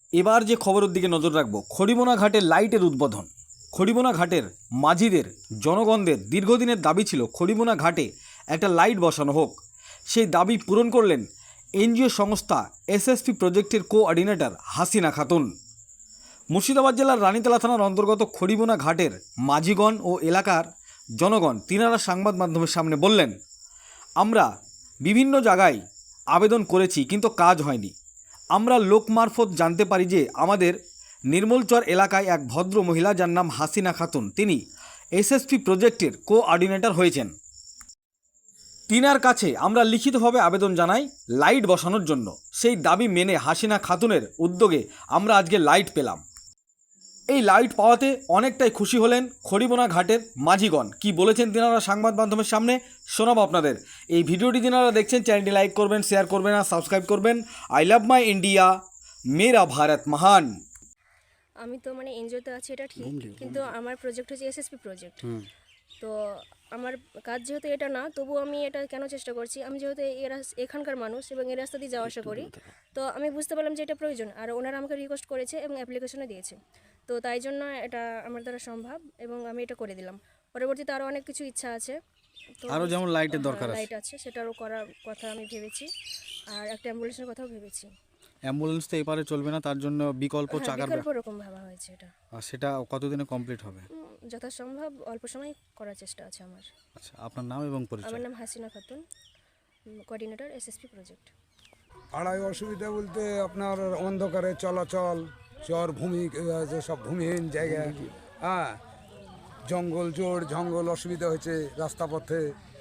এবার যে খবরের দিকে নজর রাখবো, খড়িবোনা ঘাটের লাইটের উদ্বোধন। খড়িবোনা ঘাটের মাঝিদের, জনগণদের দীর্ঘদিনের দাবি ছিল খড়িবোনা ঘাটে একটা লাইট বসানো হোক। সেই দাবি পূরণ করলেন এনজিও সংস্থা এসএসপি প্রজেক্টের কোঅর্ডিনেটর হাসিনা খাতুন। মুর্শিদাবাদ জেলার রানীতলা থানার অন্তর্গত খড়িবোনা ঘাটের মাঝিগণ ও এলাকার জনগণ তিনারা সংবাদ মাধ্যমের সামনে বললেন, আমরা বিভিন্ন জায়গায় আবেদন করেছি কিন্তু কাজ হয়নি। আমরা লোক মারফত জানতে পারি যে আমাদের নির্মলচর এলাকায় এক ভদ্র মহিলা যার নাম হাসিনা খাতুন, তিনি এসএসপি প্রজেক্টের কোঅর্ডিনেটর হয়েছেন। তিনার কাছে আমরা লিখিতভাবে আবেদন জানাই লাইট বসানোর জন্য। সেই দাবি মেনে হাসিনা খাতুনের উদ্যোগে আমরা আজকে লাইট পেলাম। এই লাইট পাওয়াতে অনেকটাই খুশি হলেন খড়িবোনা ঘাটের মাঝিগণ। কি বলেছেন তিনারা সংবাদ মাধ্যমের সামনে শোনাবো আপনাদের। এই ভিডিওটি তিনারা দেখছেন, চ্যানেলটি লাইক করবেন, শেয়ার করবেন আর সাবস্ক্রাইব করবেন। আই লাভ মাই ইন্ডিয়া, মেরা ভারত মহান। আমি তো মানে এনজিওতে আছি এটা ঠিক, কিন্তু আমার প্রজেক্ট হচ্ছে এসএসপি প্রজেক্ট। তো আমার কাজ যেহেতু এটা না, তবু আমি এটা কেন চেষ্টা করছি, আমি যেহেতু এখানকার মানুষ এবং এই রাস্তা দিয়ে যাওয়া আসা করি, তো আমি বুঝতে পারলাম যে এটা প্রয়োজন। আর ওনারা আমাকে রিকোয়েস্ট করেছে এবং অ্যাপ্লিকেশনও দিয়েছে, তো তাই জন্য এটা আমার দ্বারা সম্ভব এবং আমি এটা করে দিলাম। পরবর্তীতে আরও অনেক কিছু ইচ্ছা আছে, তো আরও যেমন লাইটের দরকার আছে, লাইট আছে সেটারও করার কথা আমি ভেবেছি, আর একটা অ্যাম্বুলেন্সের কথাও ভেবেছি। অ্যাম্বুলেন্স তো এপারে চলবে না, তার জন্য বিকল্প চাকার বিকল্প রকম ভাবা হয়েছে এটা। আর সেটা কতদিনে কমপ্লিট হবে? যথাসম্ভব অল্প সময় করার চেষ্টা আছে আমার। আচ্ছা, আপনার নাম এবং পরিচয়? আমার নাম Hasina Khatun, coordinator SSP project. পাড়ায় অসুবিধা বলতে আপনার অন্ধকারে চলাচল, চর ভূমি, সব ভূমিহীন জায়গা, হ্যাঁ, জঙ্গল, জোড় জঙ্গল অসুবিধা হয়েছে, রাস্তা পথে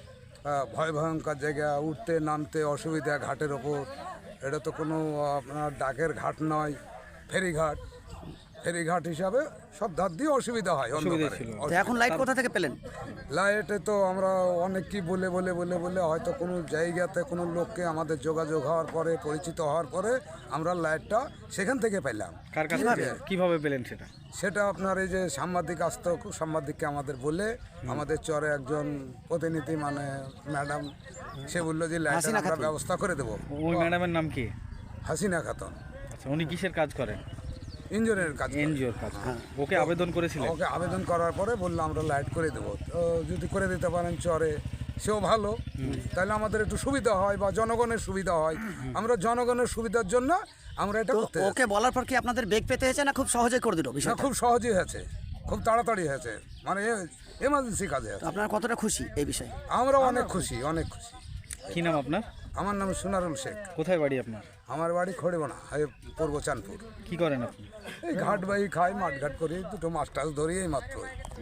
ভয় ভয়ঙ্কর জায়গা, উঠতে নামতে অসুবিধা ঘাটের ওপর। এটা তো কোনো আপনার ডাকের ঘাট নয়, ফেরিঘাট। ফেরিঘাট হিসাবে সব ধার দিয়ে অসুবিধা হয়। এখন লাইট কোথা থেকে পেলেন? লাইটে তো আমরা অনেক কি বলে বলে বলে বলে হয়তো কোনো জায়গাতে কোনো লোককে আমাদের যোগাযোগ হওয়ার পরে, পরিচিত হওয়ার পরে আমরা লাইটটা সেখান থেকে পেলাম। কার কাছে কিভাবে পেলেন সেটা? সেটা আপনার এই যে সাংবাদিক আসতো, সাংবাদিককে আমাদের বলে, আমাদের চরে একজন প্রতিনিধি মানে ম্যাডাম, সে বললো যে লাইটের আমরা ব্যবস্থা করে দেবো। ওই ম্যাডামের নাম কি? হাসিনা খাতুন। আচ্ছা, উনি কিসের কাজ করেন? ইঞ্জিনিয়ারের কাজ। এনজিওর কাজ। ওকে আবেদন করেছিলেন? ওকে আবেদন করার পরে বললো আমরা লাইট করে দেবো, তো যদি করে দিতে পারেন চরে সেও ভালো, তাহলে আমাদের একটু সুবিধা হয় বা জনগণের সুবিধা হয়। আমরা জনগণের সুবিধার জন্য আমরা এটা করতে। ওকে বলার পর কি আপনাদের বেগ পেতে হয়েছে না খুব সহজে করে দিল? না, খুব সহজেই হয়েছে, খুব তাড়াতাড়ি হয়েছে, মানে এমার্জেন্সি কাজে আছে। আপনারা কতটা খুশি এই বিষয়ে? আমরা অনেক খুশি, অনেক খুশি। কি নাম আপনার? আমার নাম সোনারুল শেখ। কোথায় বাড়ি আপনার? আমার বাড়ি খড়িবোনা, পূর্ব চাঁদপুর। কি করেন আপনি? এই ঘাট বাই খাই, মাঠঘাট করি, দুটো মাছ টাছ ধরি, এই মাত্র।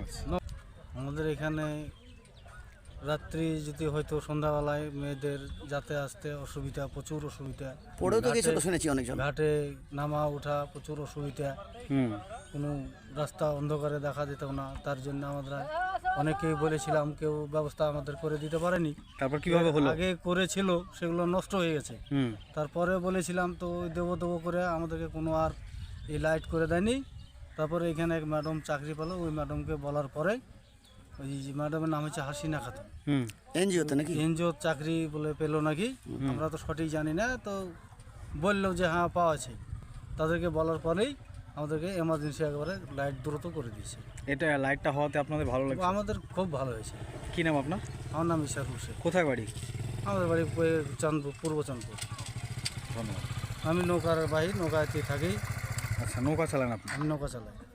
আমাদের এখানে রাত্রি যদি হয়তো সন্ধ্যাবেলায় মেয়েদের যাতে আসতে অসুবিধা, প্রচুর অসুবিধা। পড়েও তো গেছে তো শুনেছি অনেকজন। ঘাটে নামা ওঠা প্রচুর অসুবিধা, কোনো রাস্তা অন্ধকারে দেখা যেত না। তার জন্য আমরা অনেকেই বলেছিলাম, কেউ ব্যবস্থা আমাদের করে দিতে পারেনি। তারপর কিভাবে হলো? আগে করেছিল, সেগুলো নষ্ট হয়ে গেছে। তারপরে বলেছিলাম তো দেবো দেবো করে আমাদেরকে কোনো আর এই লাইট করে দেয়নি। তারপরে এখানে এক ম্যাডাম চাকরি পেলো, ওই ম্যাডামকে বলার পরে, ওই ম্যাডামের নাম হচ্ছে হাসিনা খাতুন, এনজিওতে নাকি? এনজিও চাকরি বলে পেলো নাকি, আমরা তো সঠিক জানি না। তো বললো যে হ্যাঁ পাওয়া আছে। তাদেরকে বলার পরেই আমাদেরকে এমার্জেন্সি একেবারে লাইট দ্রুত করে দিয়েছে। এটা লাইটটা হওয়াতে আপনাদের ভালো লাগছে? আমাদের খুব ভালো হয়েছে। কি নাম আপনার? আমার নাম ইশাকুল শেখ। কোথায় বাড়ি? আমাদের বাড়ি চাঁদপুর, পূর্ব চাঁদপুর। ধন্যবাদ। আমি নৌকার বাহি, নৌকাতে থাকি। আচ্ছা, নৌকা চালান আপনি? আমি নৌকা চালাই।